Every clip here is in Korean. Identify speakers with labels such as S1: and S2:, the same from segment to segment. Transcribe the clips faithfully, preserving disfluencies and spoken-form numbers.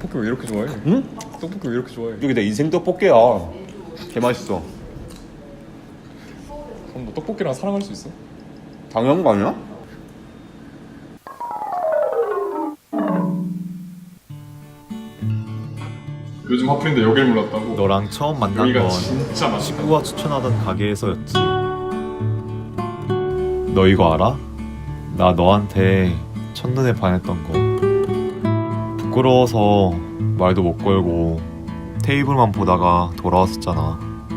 S1: 떡볶이 왜 이렇게 좋아해?
S2: 응?
S1: 떡볶이 왜 이렇게 좋아해?
S2: 여기 내 인생 떡볶이야. 개 맛있어.
S1: 그럼 너 떡볶이랑 사랑할 수 있어?
S2: 당연한 거 아니야?
S1: 요즘 하필인데 여길 몰랐다고?
S3: 너랑 처음 만난
S1: 여기가
S3: 건
S1: 진짜 맛있다.
S3: 친구가 추천하던 가게에서였지. 너 이거 알아? 나 너한테 첫눈에 반했던 거. 부끄러워서 말도 못 걸고 테이블만 보다가 돌아왔었잖아.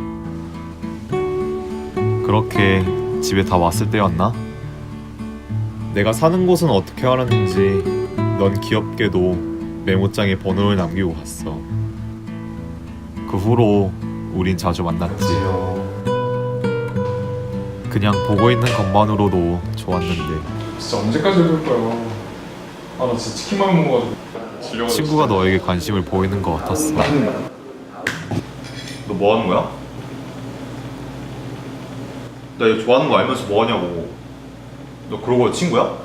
S3: 그렇게 집에 다 왔을 때였나? 내가 사는 곳은 어떻게 알았는지 넌 귀엽게도 메모장에 번호를 남기고 갔어. 그 후로 우린 자주 만났지. 그냥 보고 있는 것만으로도 좋았는데
S1: 진짜 언제까지 해볼 거야? 아 나 진짜 치킨만 먹어가지고 질려가지고.
S3: 친구가 너에게 관심을 보이는 것 같았어.
S2: 너 뭐 하는 거야? 나 이거 좋아하는 거 알면서 뭐 하냐고. 너 그러고 친구야?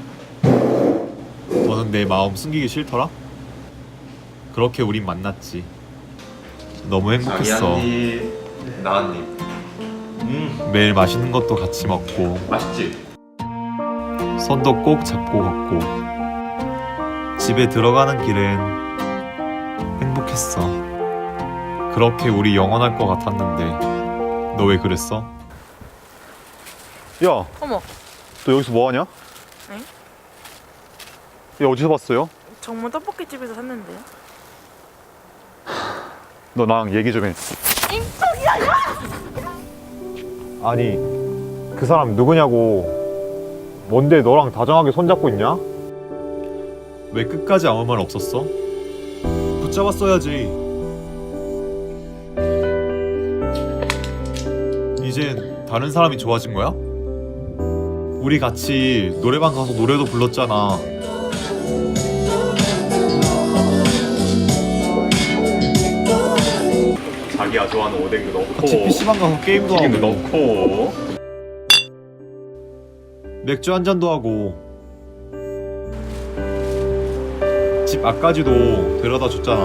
S3: 너는 내 마음 숨기기 싫더라? 그렇게 우린 만났지. 너무 행복했어.
S2: 나 한 입. 음,
S3: 매일 맛있는 것도 같이 먹고
S2: 맛있지?
S3: 손도 꼭 잡고 걷고 집에 들어가는 길엔 행복했어. 그렇게 우리 영원할 것 같았는데 너 왜 그랬어?
S4: 야,
S5: 어머,
S4: 너 여기서 뭐 하냐?
S5: 응?
S4: 야, 어디서 봤어요?
S5: 정말 떡볶이집에서 샀는데요?
S4: 너 나랑 얘기 좀 해. 아니, 그 사람 누구냐고. 뭔데 너랑 다정하게 손잡고 있냐?
S3: 왜 끝까지 아무 말 없었어? 붙잡았어야지. 이젠 다른 사람이 좋아진 거야? 우리 같이 노래방 가서 노래도 불렀잖아.
S2: 자기가 좋아하는 오뎅도 넣고
S3: 같이 피시방 가서 게임도 하고
S2: 튀김도 넣고
S3: 맥주 한 잔도 하고 집 앞까지도 데려다 줬잖아.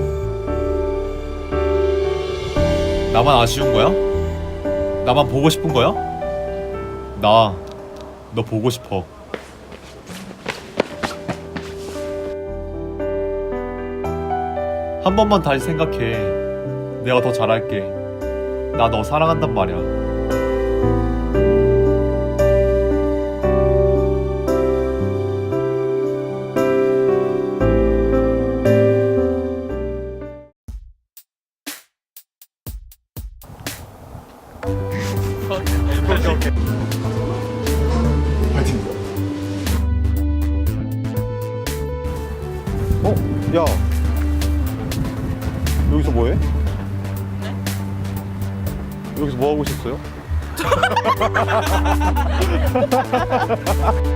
S3: 나만 아쉬운 거야? 나만 보고 싶은 거야? 나 너 보고 싶어. 한 번만 다시 생각해. 내가 더 잘할게. 나 너 사랑한단 말이야.
S4: 어? 야, 여기서 뭐 해? 여기서 뭐 하고 있었어요?